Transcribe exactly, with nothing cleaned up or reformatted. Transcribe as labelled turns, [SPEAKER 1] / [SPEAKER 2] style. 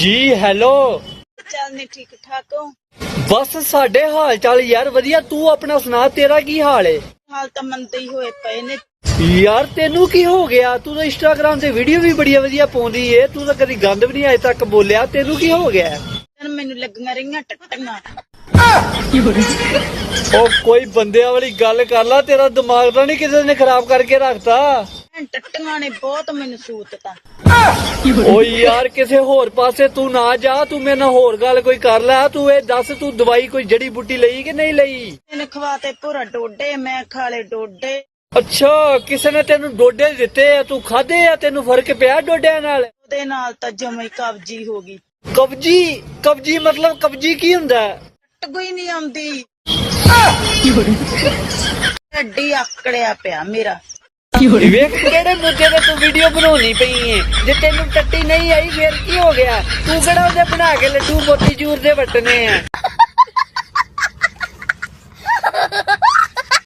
[SPEAKER 1] जी hello.
[SPEAKER 2] चल ने ठीक ठाक हो?
[SPEAKER 1] बस साडे हाल चाल यार वधिया, तू अपना सुना, तेरा की हाल है?
[SPEAKER 2] हाल तो मंदे ही होए पे ने
[SPEAKER 1] यार तेनू की हो गया? तू तो इंस्टाग्राम ते वीडियो भी बड़ी वधिया पाउंदी है, तू तो कदी गंद भी नहीं अजे तक बोलिया, तेनू की हो गया?
[SPEAKER 2] मैनू लगियां रहियां टट्टियां।
[SPEAKER 1] ओ कोई बंदे वाली गल कर ला, तेरा दिमाग तो नहीं किसी ने खराब करके रखता?
[SPEAKER 2] टट्टियां ने बहुत मैनू सूतता।
[SPEAKER 1] ओ यार किसे होर पासे तू ना जा, तू मेरे नाल होर गल कोई कर लै। तू ये दस, तू दवाई कोई जड़ी बूटी लई कि नहीं लई?
[SPEAKER 2] मैंने खवाते पूरा डोडे, मैं खाले डोडे।
[SPEAKER 1] अच्छा, किसी ने तेनू डोडे दिते आ, तू खादे आ, तेनू फर्क पिया डोडिया नाल?
[SPEAKER 2] ओदे नाल तां जमे कब्जी हो गई।
[SPEAKER 1] कब्जी? कब्जी मतलब कब्जी की हुंदा है?
[SPEAKER 2] टट्ट कोई नहीं आंदी, हड्डी आकड़िया पिया मेरा।
[SPEAKER 1] वेख केड़े मुद्दे ते तू वीडियो बनाउणी पई है? जे तेनू टट्टी नहीं आई फिर की हो गया? तू केड़ा ओदे बना के लड्डू मोती चूर दे वटने आ?